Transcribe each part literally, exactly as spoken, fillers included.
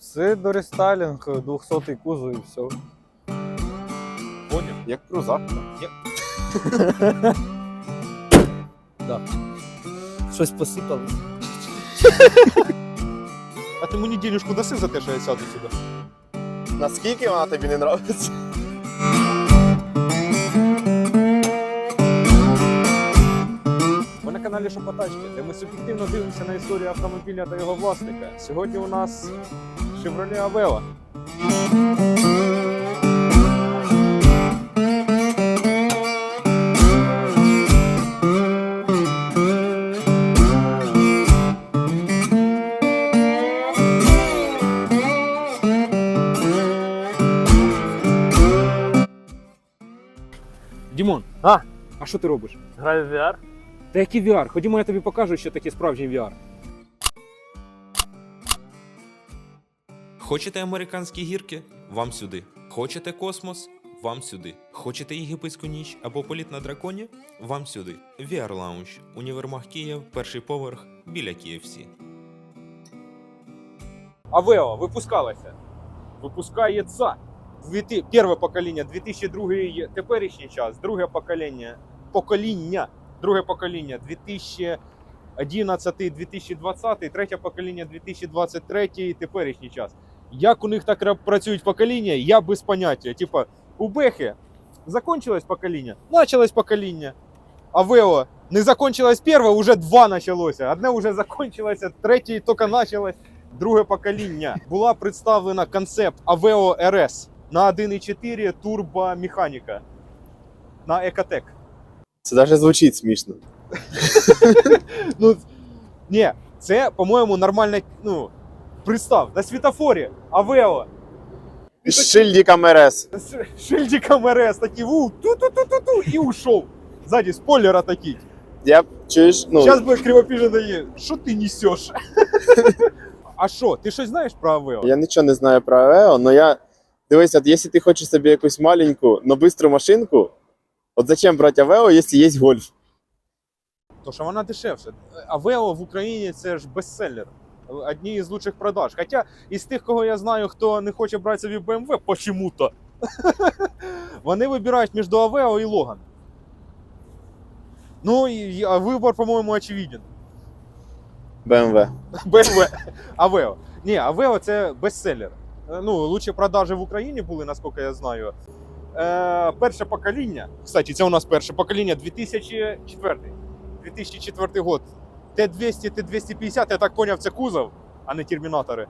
Це дорестайлінг, двохсотий кузов і все. Поняв? Як крузак. Да. Щось посипалось. А ти мені денежку даси за те, що я сяду сюди? Наскільки вона тобі не подобається? Ви на каналі Шопотачки, де ми суб'єктивно дивимося на історію автомобіля та його власника. Сьогодні у нас Chevrolet Aveo. Дімон, А? а що ти робиш? Граю в ві ар? Та який ві ар? Ходімо, я тобі покажу, що таке справжній ві ар. Хочете американські гірки? Вам сюди. Хочете космос? Вам сюди. Хочете єгипетську ніч або політ на драконі? Вам сюди. ві ар Lounge. Універмаг Київ, перший поверх, біля кей еф сі. Aveo випускалася. Випускається. Дві- Перше покоління, дві тисячі другий теперішній час, друге покоління, покоління, друге покоління, дві тисячі одинадцятий - дві тисячі двадцятий, третє покоління, дві тисячі двадцять третій, теперішній час. Як у них так ра- працюють покоління, я без поняття. Типа, у Бехи закончилось покоління, началось покоління. Aveo не закончилось перше, уже два почалося. Одне вже закончилося, третє тільки почалось. Друге покоління. Була представлена концепт Aveo ар ес на один і чотири турбомеханіка на Екотек. Це навіть звучить смішно. Ну, ні, це, по-моєму, нормально, ну, представ, на світофорі Aveo З шильдиком ар ес. з шильдиком ар ес, такий, у, ту-ту-ту-ту-ту, і ушов. Ззаді спойлера такий. Я, чуєш, ну, Зараз буде кривопіжений, що ти несеш? А що, ти щось знаєш про Aveo? я нічого не знаю про Aveo, але я, дивись, от якщо ти хочеш собі якусь маленьку, но бистру машинку, от зачем брати Aveo, якщо є Golf? То що вона дешевша. Aveo в Україні це ж бестселлер. Одні із лучших продаж. Хоча із тих, кого я знаю, хто не хоче брати собі бе ем ве, почему-то, вони вибирають між Aveo і Logan. Ну, і, а вибір, по-моєму, очевиден. бе ем ве. бе ем ве. Aveo. Ні, Aveo це бестселлер. Ну, лучші продажі в Україні були, наскільки я знаю. Е, перше покоління, кстати, це у нас перше покоління, дві тисячі четвертий. дві тисячі четвертий год. Т двісті, Т двісті п'ятдесят, я так поняв, це кузов, а не термінатори.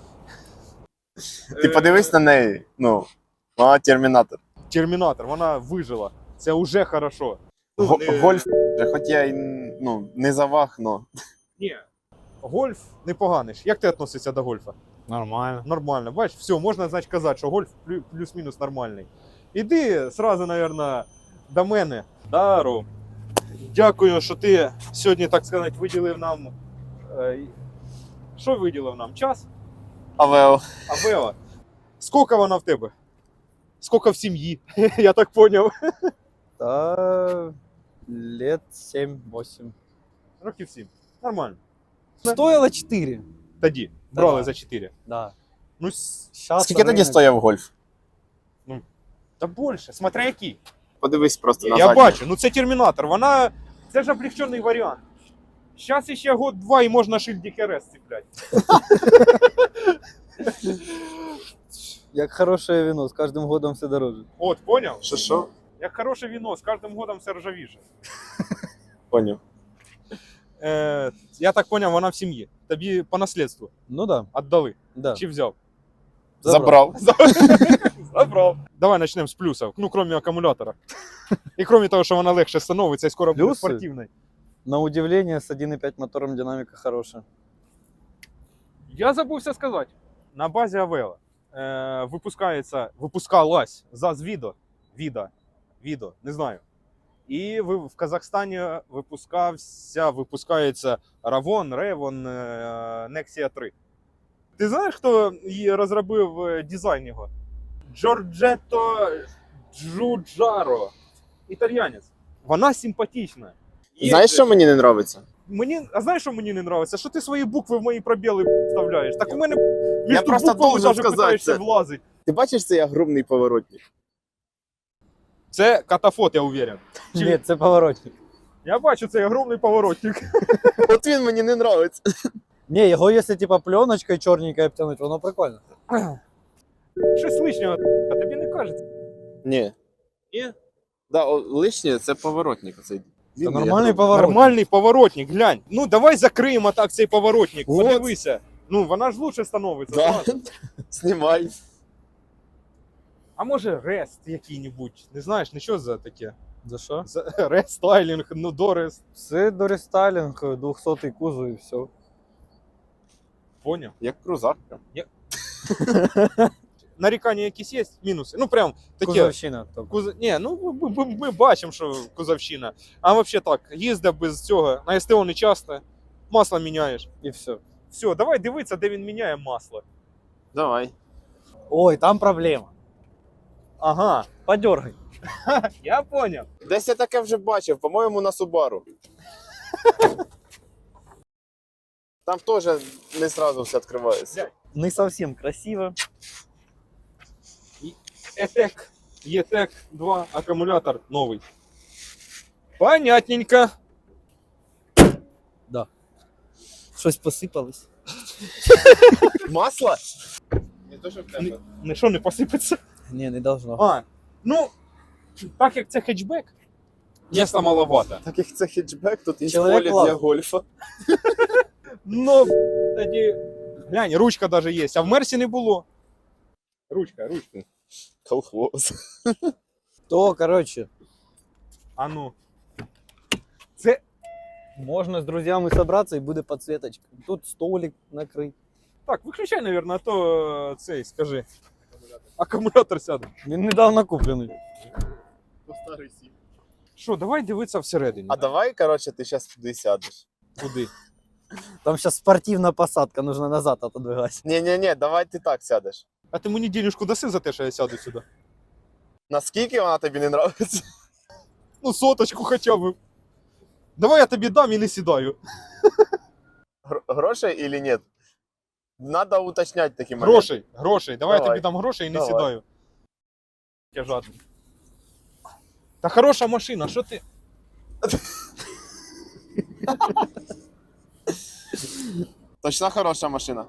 Ти подивись на неї, ну, вона термінатор. Термінатор, вона вижила. Це вже хорошо. Ну, Го- не- Гольф, хоч я й, ну, не завах, но. Ні. Гольф непоганий. Як ти відносишся до гольфа? Нормально. Нормально. Бачиш, все, можна, значить, казати, що гольф плю- плюс-мінус нормальний. Іди сразу, мабуть, до мене. Дару. Дякую, що ти сьогодні, так сказати, виділив нам. е, Що виділив нам? Час? Aveo. Aveo. Скільки вона в тебе? Скільки в сім'ї? Я так зрозумів. Та лет сім-вісім. Років сім. Нормально. Стоїло чотири. Тоді. Брали Да. за чотири. Да. Ну, с- Щас Скільки тоді ринок- стояв Гольф? та більше. Смотря який. Подивись просто на Я задній. бачу, ну це термінатор, вона. Це ж облегчений варіант. Зараз ще год-два і можна шильдик ар ес цепляти. Як хороше вино, з кожним годом все дороже. От, поняв? Що, що? Як хороше віно, з кожним годом все ржавіше. Поняв. Е, я так поняв, вона в сім'ї. Тобі по наслідству Ну да, віддали. да. Чи взяв? Забрав. Забрав. Давай почнемо з плюсів. Ну, крім акумулятора. І крім того, що вона легше становиться і скоро буде Плюси? спортивною. На удивление, с один и пять мотором динамика хорошая. Я забувся сказати. На базі Aveo е, випускається, випускалась ЗАЗ Відо, Віда, Відо, не знаю. І ви, в Казахстані випускався, випускається Равон, Ревон, е, Nexia три. Ти знаєш, хто її розробив е, дизайн його? Джорджетто Джуджаро. Італіянець. Вона симпатична. І- Знаєш, що мені не подобається? Мені, а знаєш, що мені не подобається? Що ти свої букви в мої пробіли вставляєш? Так у мене Між просто буквами должен даже сказати питаєшся це. влазить. Ти бачиш цей огромний поворотник? Це катафот, я уверен. Чи- Ні, це поворотник. Я бачу цей огромний поворотник. От він мені не нравиться. Ні, його якщо типа пленочкою чорненькою обтянуть, воно прикольно. Щось лишнього, а тобі не кажеться? Ні. Ні? Да, о, лишнє це поворотник. Оцей. Це нормальний поворот. поворотник. Нормальний поворотник, глянь. Ну давай закриємо так цей поворотник. Вот. Подивися. Ну вона ж лучше становиться. Да. зразу. Знімай. А може рест який-небудь? Не знаєш, не що за таке? За що? За рестайлінг, ну дорест. Це дорестайлінг, двохсотий кузов і все. Поняв? Як крузак. прям. Нарікання якісь є? Мінуси? Ну прям таке. Кузовщина. тобто. Куз... Ні, ну ми, ми, ми бачимо, що кузовщина. А взагалі так, їздив без цього, на СТО не часто, масло міняєш. І все. Все, давай дивитися, де він міняє масло. Давай. Ой, там проблема. Ага, Подергай. я поняв. Десь я таке вже бачив, по-моєму, на Subaru. Там теж не сразу все відкривається. Не совсем красиво. Етек, Етек два, акумулятор новий. Понятненько. Щось посипалось. Масло? Не то, що в Не, не що не посипеться? Ні, не должно. А, ну, так як це хетчбек, міста маловато. Так як це хетчбек, тут є Чоловік поле клас. для гольфа. Ну, тоді, глянь, ручка даже є, а в Мерсі не було. Ручка, ручка. Колхоз. То, короче, А ну. Це, можна з друзями собратися і буде підсвіточка. Тут столик накритий. так, виключай, наверное, а то е, цей, скажи. Акумулятор сяде. Він недавно куплений. Що, давай дивитися всередині. А давай, коротше, ти зараз туди сядеш. Куди? Там зараз спортивна посадка, нужно назад отодвигати. Ні-ні-ні, давай ти так сядеш. А ти мені денежку даси за те, що я сяду сюди? Наскільки вона тобі не нравиться? Ну, соточку хоча б. Давай я тобі дам і не сідаю. Гр- Грошей или ні? Надо уточнять такі моменти. Грошей, грошей. Давай, я Давай. тобі дам грошей і не Давай. сідаю. Я жадний. Та хороша машина, що ти? Точно хороша машина.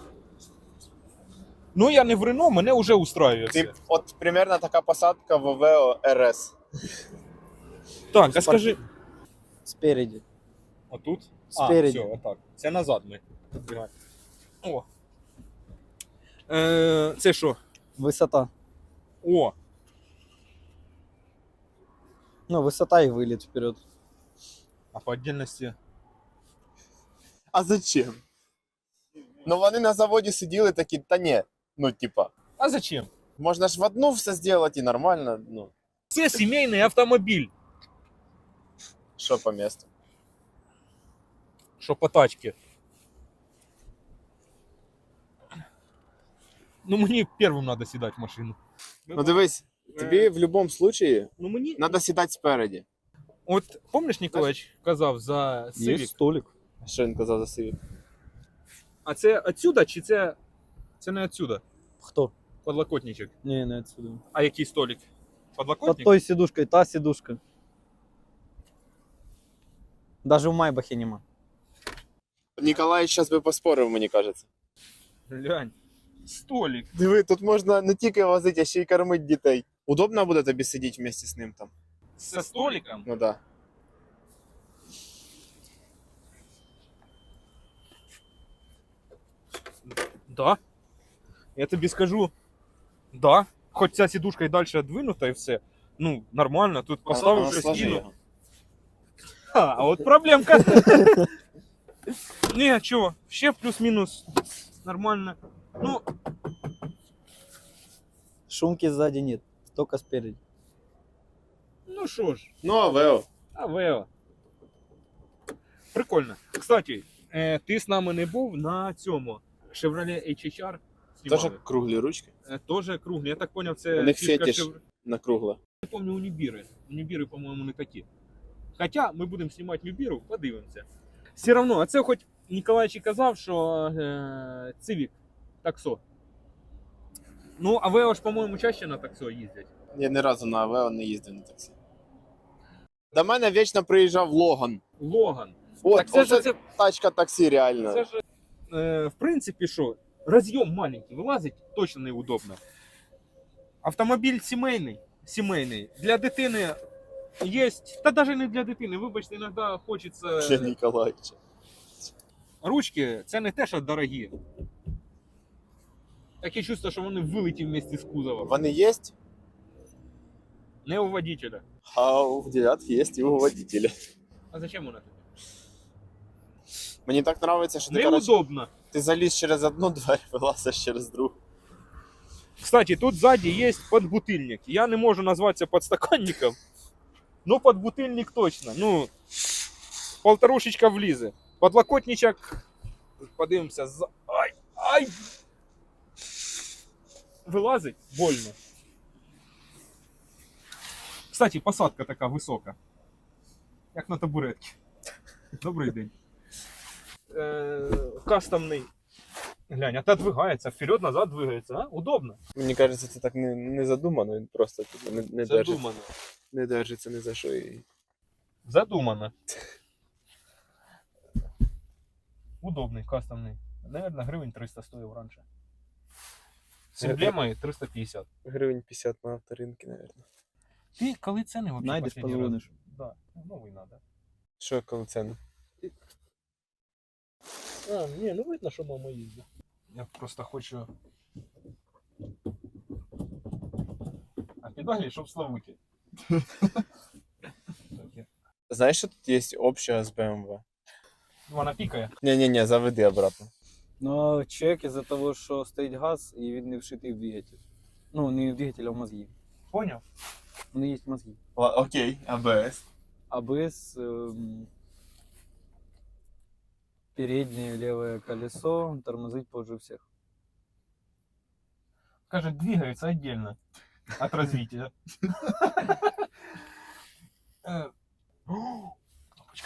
Ну я не в Рено, мене вже устраює Ти, все. от примерно така посадка в Вео ар ес. Так, а скажи. Спереді. Отут? Спереді. А, все, отак. Це назад ми. О. Е, це що? Висота. О, Ну, висота і виліт вперед. а по отдельності. А зачем? Ну вони на заводі сиділи такі, та ні. Ну, типа, А зачем? можна ж в одну все зробити і нормально, ну, Це сімейний автомобіль. що по місту. Що по тачці. Ну мені першим треба сідати в машину. Ну дивись, тобі в будь-якому випадку Ну мені. треба сідати спереді. От помниш, Ніколач казав за Є Civic? столик. Що він казав за Civic? А це отсюда чи це. Це не отсюда? Хто? Подлокотничок. Ні, не отсюда. А який столик? Под Подлокотник? той сидушкой, та сидушка. Даже в Майбахі нема. Ніколай зараз би поспорив, мені кажеться. Глянь. Столик. Диви, тут можна не тільки возити, а ще й кормити дітей. Удобно буде тобі сидіти вместе з ним там? Со столиком? Ну да. Да. Я тобі скажу. Да. Хоч ця сідушка і далі двинута і все. Ну, нормально. Тут поставив А, щось сложи кинув. його. А, а от проблемка. Ні, чого, ще плюс-мінус нормально. Ну, Шумки сзади нет, только спереди. ну що ж, Ну, а Вео? а Вео. Прикольно. Кстати, е, ти з нами не був на цьому Chevrolet ейч ейч ар. Теж знімали. круглі ручки. Е, Тоже круглі. Я так поняв, це У них фішка фетиш. Chevrolet. На кругле. Я помню унібіри. Унібіри, по-моєму, не такі. Хоча ми будемо знімати Нюбіру, подивимося. Все одно, а це хоч Ніколайчик казав, що е, Civic таксо. Ну, а ви ж, по-моєму, чаще на таксо їздять. Я ні разу на Авео не їздив на таксі. До мене вічно приїжджав Логан. Логан. От, Так це ж оце це, тачка таксі реально. це ж, е, в принципі, що, роз'єм маленький, вилазить точно неудобно. Автомобіль сімейний, сімейний. Для дитини є, та навіть не для дитини, вибачте, іноді хочеться... Ще Ніколаївича. Ручки, це не те, що дорогі. Таке чувство, що вони вилеті вместе з кузовом. Вони є? Не у водителя. А у дев'ятки є і у водителя. А зачем вона тобі? Мені так подобається, що ти, коротше, Неудобно. ти заліз через одну двері, вилазиш через другу. Кстати, тут сзади есть подбутыльник. Я не можу назватися подстаканником, но подбутыльник точно. Ну, полторушечка влізе. Подлокотничок, подивимося, за... Ай, ай! Вилазить больно. Кстати, посадка така висока. Як на табуретці. Добрий день. Е, кастомний. Глянь, отодвигається, вперед-назад двигається, а? Удобно. Мені кажеться, це так не, не задумано, він просто типу, не, не, держиться, Задумано. не держиться ні за що. І... Задумано. Удобний, кастомний. Наверное, гривень триста стоїв раніше. З емблемою триста п'ятдесят. Гривень п'ятдесят на авторинки, мабуть. Ти коли ціни вообще Найдеш, последній раз? позвониш. Да, новий надо. Що коли ціни? А, ні, ну видно, що мама їздить. Я просто хочу... А педалі, щоб славути. Знаєш, що тут є обща з бе ем ве? Вона пікає. Ні-ні-ні, заведи обратно. Ну, чек із-за того, що стоїть газ і він не вшитий в двигатель. Ну, не в двигатель, а в мозги. Поняв? Вони є мозги. Окей, а бе ес? АБС, эм, переднее левое колесо тормозить позже всех. Каже, двигается отдельно от развития. Э, о, кнопочка.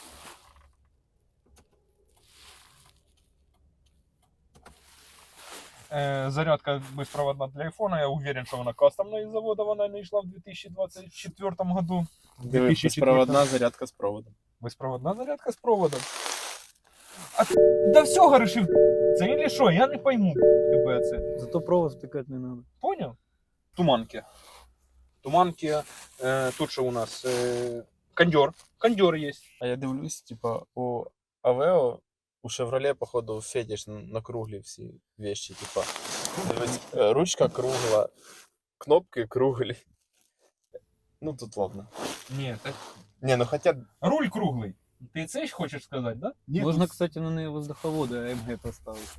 Э, Зарядка беспроводна для айфона. Я уверен, что она кастомная из завода. Она не шла в две тысячи двадцать четвёртом году. Диви, безпроводна зарядка з проводом. Беспроводна зарядка с проводом. А ти до всього решив це или що? Я не пойму тебе це. Зато провод втыкать не надо. Понял? Туманки. Туманки. Е, тут що у нас? Е, кондер. Кондер є. А я дивлюсь, типа, у Авео, у Chevrolet, походу, фетиш на, на круглі всі вещи, типа. Дивись, е, ручка кругла, кнопки круглі. Ну, тут ладно. Ні, так. Не, ну хотя... Руль круглий. Ти це ж хочеш сказати, да? Можно, кстати, на ней воздуховоды АМГ поставить.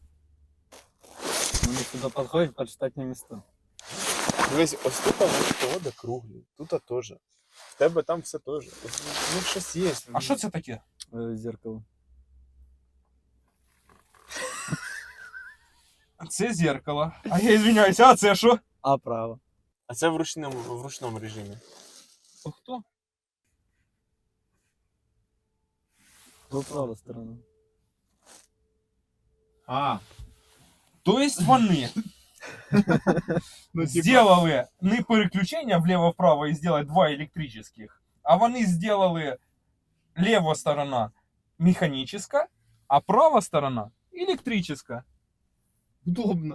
Они сюда подходят под штатные места. Дивись, ось тут вода круглі, тут теж. В тебе там все теж. Ну, щось є. А що це таке? Э, зеркало. Це зеркало. А я извиняюся, а це що? А право. А це в ручному, в ручному режимі. О, хто? Вот правая сторона. А. То есть вони Ну, сделали не переключення влево-вправо і сделать два електрических, а вони сделали лева сторона механическая, а права сторона електрическая. Удобно.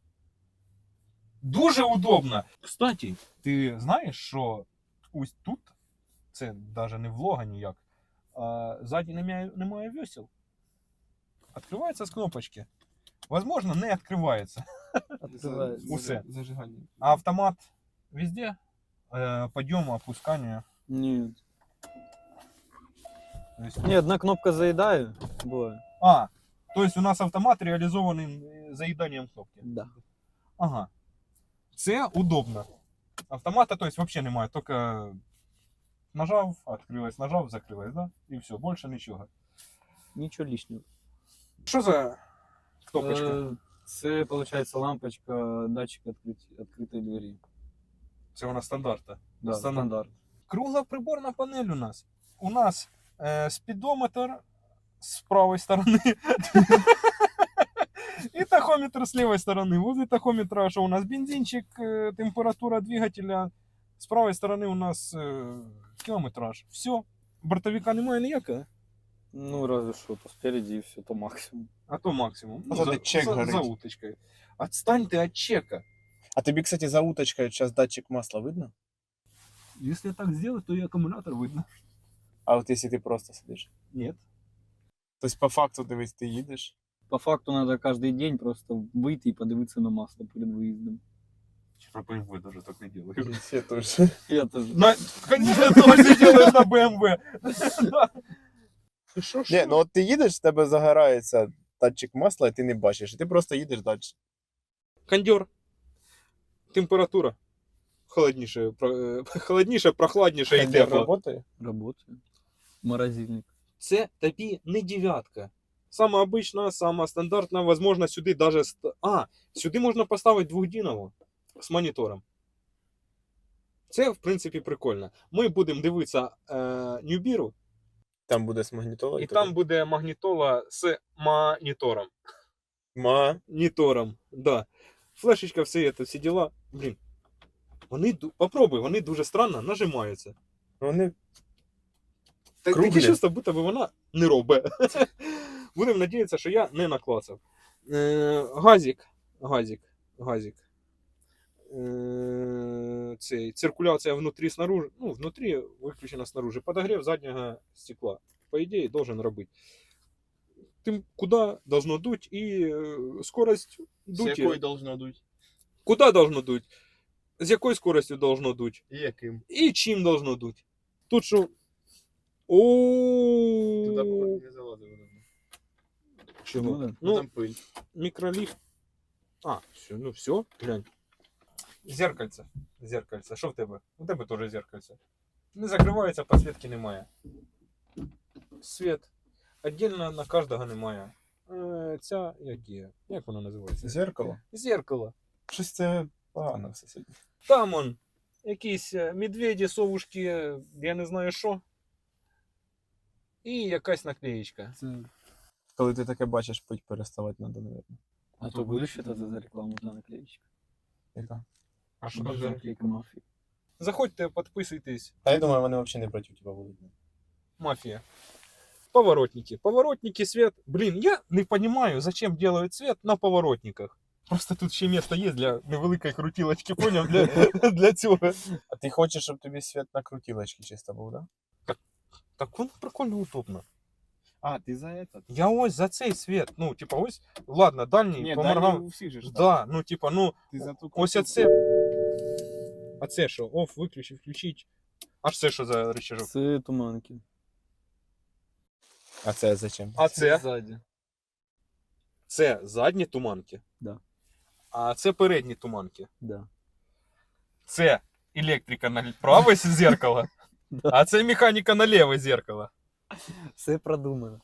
Дуже удобно. Кстати, ти знаєш, що ось тут, це навіть не влога ніяк, а ззаді немає, немає весел. Відкривається з кнопочки. Возможно, не відкривається. Открывается. Усе. Зажигання. А автомат везде? Э, подъема, опускания. Нет. То есть... Не, одна кнопка заедаю. Бывает. А, то есть у нас автомат реализованный заеданием кнопки. Да. Ага. Це удобно. Автомата, то есть вообще немає, только нажав, открылась, нажав, закрылась, да? И все, больше ничего. Ничего лишнего. Что за кнопочка? Э, Це, получается, лампочка, датчик открыть, открытой двери. Це у нас стандарта. Да, Стандарт. стандарт. Кругла приборна панель у нас. У нас э, спидометр с правой стороны. И тахометр тахометр с левой стороны. Возле тахометра, что у нас бензинчик, э, температура двигателя. С правой стороны у нас э, километраж. Все. Бортовика немає ніякого. Ну, разве что, то спереди и все, то максимум. А то максимум. А то ти чек за, горить. за уточкой. Отстань ты от чека. А тобі, кстати, за уточкою зараз датчик масла видно? Если так сделать, то и аккумулятор видно. А от якщо ти просто сидиш? Нет. Тобто, по факту, дивись, ти їдеш. По факту надо каждый день просто выйти и подивиться на масло перед выездом. Что бэ эм вэ даже так не делаю. Я теж. Я тоже. На... Конечно, ты все делаешь на бэ эм вэ. Шо, Ні, ну от ти їдеш, в тебе загорається датчик масла, і ти не бачиш, і ти просто їдеш далі. Кондер. Температура. Холодніше, про- холодніше, прохладніше і Кондер тепло. працює? Работаю. Морозильник. Це тобі не дев'ятка. Сама обична, сама стандартна, возможно, сюди даже... ст- А, сюди можна поставити двохдінову з монітором. Це, в принципі, прикольно. Ми будемо дивитися е, Ньюбіру, Там буде з магнітолою. і там буде магнітола з монітором. Ма. Монітором, да. Флешечка, все це, всі діла. Блін. Вони, ду- попробуй, вони дуже странно нажимаються. Вони Так, Круглі. таке чувство, будто би вона не робить. Будемо надіятися, що я не наклацав. Е, газик. Газик. Газик. Е, цей, циркуляція внутрі снаружи. Ну, внутрі виключена снаружи. Подогрів заднього стекла. По ідеї, должен робити. Тим, куди должно дуть і е, скорость дуті. должно дуть? Куди должно дуть? З якою скоростю должно дуть? І яким? І чим должно дуть? Тут що? О, не залазив. чого? Ну, да. Ну, там пиль. микролифт. А, все, ну все, глянь. Зеркальце. Зеркальце. Що в тебе? У тебе теж зеркальце. Не закривається, підсвітки немає. Світ. Отдельно на кожного немає. Е, ця, як є? Як вона називається? Зеркало? Зеркало. Щось це погано все сьогодні. Там он. Якісь е, медведі, совушки, я не знаю що. І якась наклеєчка. Це... Коли ти таке бачиш, пить переставати треба, мабуть. А то будешь это за рекламу для наклеечек? Яка? А що Что там за за? наклейка мафии? Заходьте, підписуйтесь. Та я думаю, вони взагалі не проти тебе будуть. Мафия. Поворотники. Поворотники, свет. Блин, я не понимаю, зачем делают свет на поворотниках. Просто тут ще место є для невеликої крутілочки, поняв? Для, для цього. А ти хочеш, щоб тобі світ на крутілочці чисто був, да? Так воно прикольно удобно. А, ты за этот? Я ось за цей свет. Ну, типа, ось, ладно, дальній Не, поморгав. дальний у всіх же ж так. Да, ну, типа, ну, Ти за ту ось круту- оце. А це що? Оф, виключи, включить. Аж це що за рычажок? Це туманки. А це зачем? А це? Сзади. Це задні туманки. Да. А це передні туманки. Да. Це електрика на праве зеркало, Да. а це механіка на ліве зеркало. Все продумано.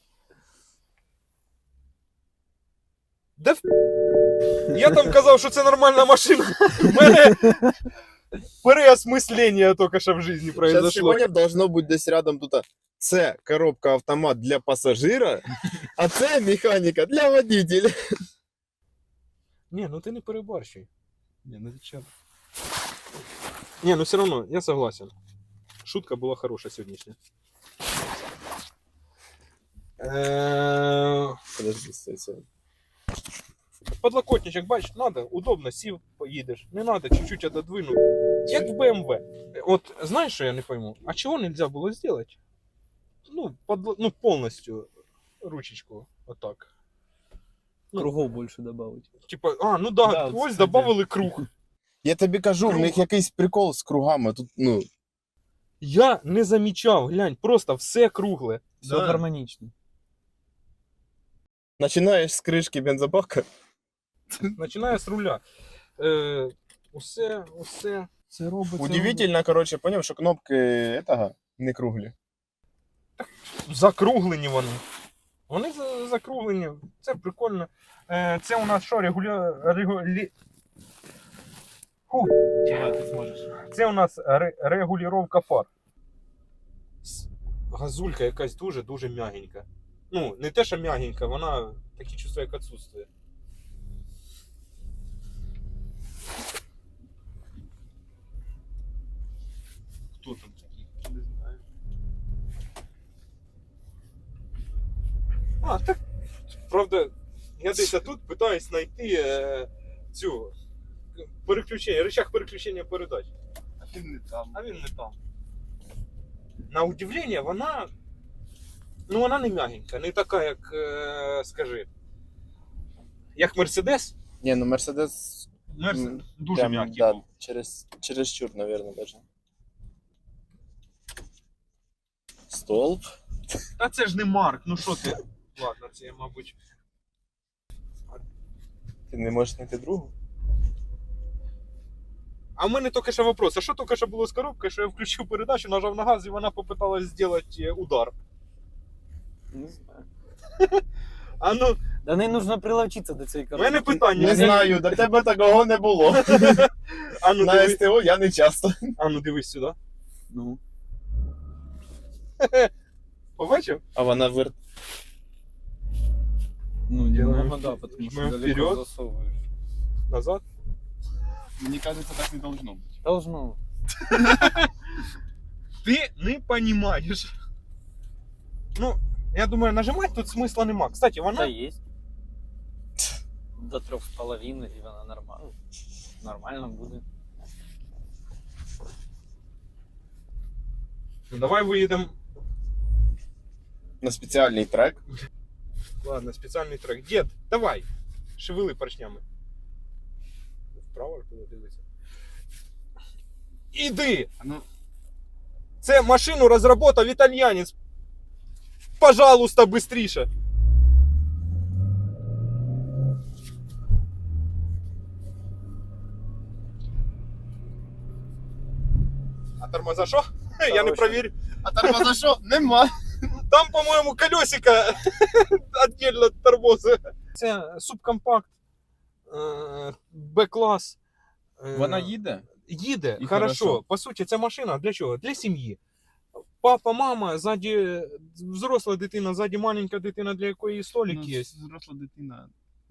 Да в... Я там казав, що це нормальна машина. У мене переосмислення тільки що в житті Сейчас произошло. сегодня должно быть десь рядом тут. Це коробка автомат для пасажира, а це механіка для водителя. Ні, ну ти не перебарщуй. Не, ну зачем? Ні, ну все одно, я согласен. Шутка була хороша сьогоднішня. Е, Подожди, стой, стой. Подлокотничок, бачиш, надо, удобно, сів, поїдеш. Не надо, чуть-чуть отодвинув. Як в бэ эм вэ. От, знаєш, що я не пойму? А чого нельзя було зробити? Ну, под, ну, повністю ручечку, отак. Ну. Кругов больше добавить. Типа, а, ну да, Да, ось кстати. добавили круг. Я тобі кажу, в Круг. них якийсь прикол з кругами. Тут, ну, Я не замічав, глянь, просто все кругле. Все Да. гармонично. починаєш з кришки бензобака. Починає з руля. Е, усе, усе. Це робиться. Удивительно, коротше, поняв, що кнопки этого не круглі. Закруглені вони. Вони за- закруглені. Це прикольно. Е, це у нас що, регуля... регулі... Фу. Давай, ты сможешь. Це у нас ре... регулювання фар. С- Газулька якась дуже-дуже м'ягенька. Ну, не те, що м'ягенька, вона таке чувство, як відсутствує. Хто там такий? Не знаю. А, так, правда, я десь тут питаюсь знайти е, цю переключення, рычаг переключення передач. А ти не там. А він не там. На удивлення, вона. Ну, вона не м'ягенька, не така, як, е, скажи, як Мерседес. Не, ну Мерседес Мерседес м, дуже прям, м'який да, був. через, чересчур, наверное, даже. Столб. Та це ж не Марк, ну що ти? Ладно, це я, мабуть. Ти не можеш знайти другу? А в мене тільки що вопрос, а що тільки що було з коробкою, що я включив передачу, нажав на газ і вона попиталась зробити удар. Не знаю. А ну, Да не нужно приловчитися до цієї в коробки. мене питання. Не знаю, до тебе такого не було. А ну, На диви... СТО я не часто. а ну дивись сюди. Ну. Побачив? А вона вир... Ну, Делаем немного, да, потому что мы далеко вперед. засовываешь. Назад. Мені кажется, так не должно бути. Должно. Ти не розумієш. Ну, я думаю, нажимати тут смисла нема. Кстати, Да, вона. есть. До трех с половиной, и она нормально. Нормально будет. Ну, давай виїдемо. на спеціальний трек. Ладно, спеціальний трек. Дід, давай. Шевели поршнями. Вправо куди дивитися. Іди! А ну, Це машину розробив італьянець. Пожалуйста, быстріше. А тормоза що? Я не провірю. а тормоза що? Нема. Там, по-моєму, колесико віддільно від тормоза. Це субкомпакт, е, Б-клас. Е, Вона їде? Їде, І хорошо. хорошо. По суті, ця машина для чого? Для сім'ї. Папа, мама, ззаді взросла дитина, ззаді маленька дитина, для якої столик Ну, є. взросла дитина.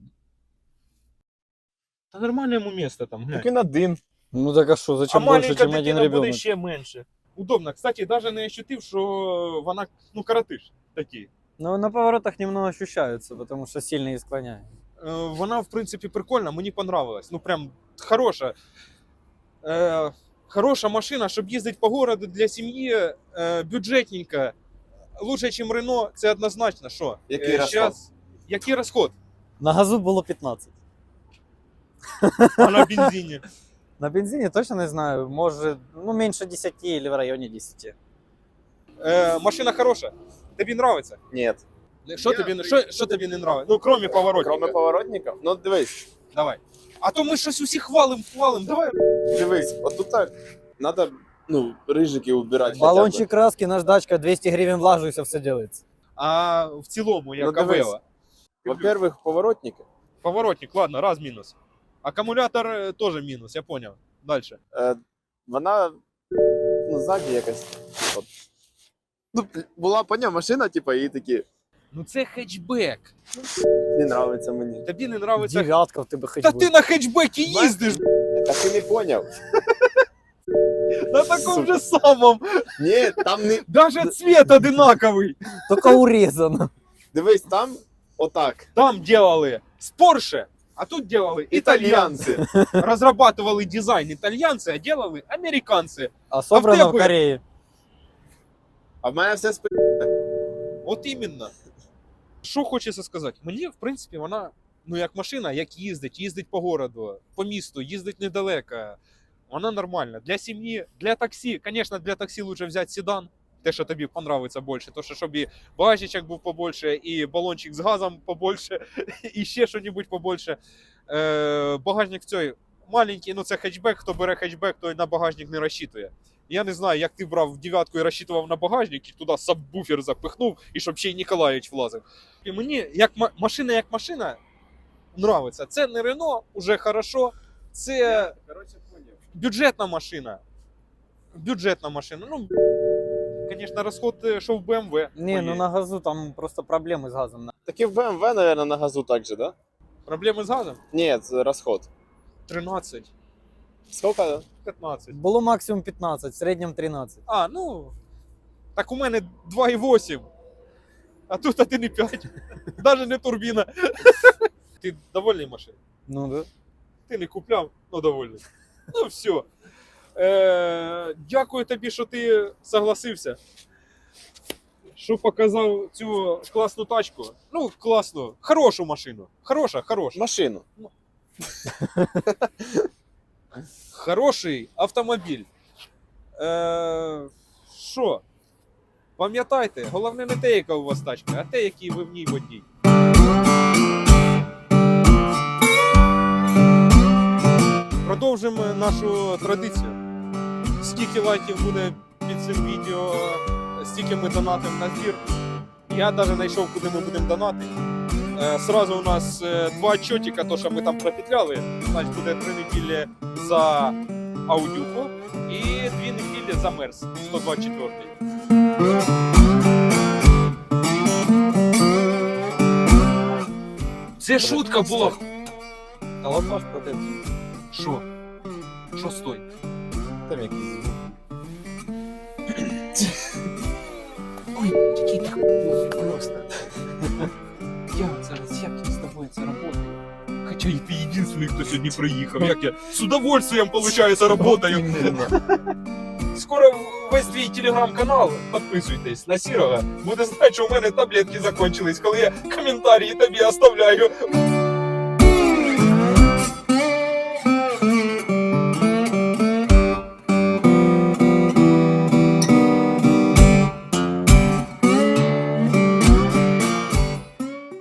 Та нормальне йому місце там, глянь. Так він один. Ну так а что, А зачем больше, маленька чем один дитина буде ребенок? ще менше. Удобно. Кстати, навіть не ощутив, що вона, ну, коротиш такий. Ну, на поворотах немного ощущаются, потому что сильно их склоняют. Е, Вона, в принципі, прикольна, мені понравилась. Ну, прям хороша. Е, хороша машина, щоб їздити по городу для сім'ї, е, бюджетненька. Лучше, ніж Рено, це однозначно. Що? Який розход? щас- Який розход? На газу было пятнадцать. А на бензині? На бензине точно не знаю, может, ну, меньше десяти или в районе десяти. Е, машина хороша. Тобі нравиться? Ні. Що Я тобі, при- що, що тобі не нравиться? Ну, крім поворотника. Кроме поворотників? Ну дивись, Давай. А то ми щось усі хвалим, хвалим. Давай. дивись, отут так. Надо, ну, рижики убирати. Баллончик краски, наждачка, двести гривен влажу, и все, все делается. А в цілому, як Ну, дивись. Авео. Во-первых, поворотники. Поворотник, ладно, раз мінус. Акумулятор е, теж мінус, я поняв. Дальше. Е, вона, ну, ззаді якась. От. Ну, була поняв машина, типа, і такі, Ну це хетчбек. не нравиться мені. Тобі не нравиться. Девятка в тебе хоть Та бы. ти на хетчбекі їздиш А ти не поняв? на такому Сука. же самому. Ні, там не. Даже цвет одинаковий. Только урезано. Дивись, там отак. Там делали з Porsche, а тут делали італьянці. Італіянці. Розрабатывали дизайн італьянці, а делали американці. А собрано А в в тебе? Корее. А в мене все спи... От іменно. Що хочеться сказати? Мені, в принципі, вона, ну, як машина, як їздить, їздить по городу, по місту, їздить недалеко. Вона нормальна. Для сім'ї, для таксі. Звісно, для таксі лучше взяти седан. Те, що тобі понравиться більше. То, що щоб і багажничок був побольше, і балончик з газом побольше, і ще що-небудь побольше. Е, багажник цей маленький, ну це хетчбек. Хто бере хетчбек, той на багажник не розчитує. Я не знаю, як ти брав дев'ятку і розчитував на багажник, і туди сабвуфер запихнув, і щоб ще й Ніколаєвич влазив. І мені, як ма- машина, як машина, нравиться. Це не Рено, уже хорошо. Це Короче, поняв. бюджетна машина. Бюджетна машина. Ну, звісно, розход, е, що в БМВ. Не, ну на газу там просто проблемы с газом. Так і в БМВ, наверное, на газу так же, да? Проблеми з газом? Ні, це розход. тринадцять. Скільки? п'ятнадцять. Було максимум п'ятнадцять, в середньому тринадцять. А, ну. Так у мене два і вісім. А тут один і п'ять. Навіть не турбіна. Ти довольний машиною? Ну да. Ти не купляв, ну довольний. Ну все. Е, дякую тобі, що ти согласився. Що показав цю класну тачку. Ну, класну, хорошу машину. Хороша, хороша. Машину. Хороший автомобіль. Е, Що? Пам'ятайте, головне не те, яка у вас тачка, а те, який ви в ній водій. Продовжимо нашу традицію. Скільки лайків буде під цим відео, стільки ми донатимо на збір. Я навіть знайшов, куди ми будемо донатити. Е, Сразу у нас е, два чотика, то що ми там пропетляли. Значить буде три неділі за аудюху і дві неділі за мерс сто двадцять четвертий. Це шутка була. А от ваш протест. Що? Що стой? Там якийсь звук. Ой, який ти хуй просто. Я зараз як я з тобою це работаю. Хоча і ти єдиний, хто сьогодні приїхав. Як я з удовольствием, получается, работаю. Скоро весь твій телеграм-канал, підписуйтесь на Сірова, буде знати, що у мене таблетки закончились, коли я коментарі тобі оставляю.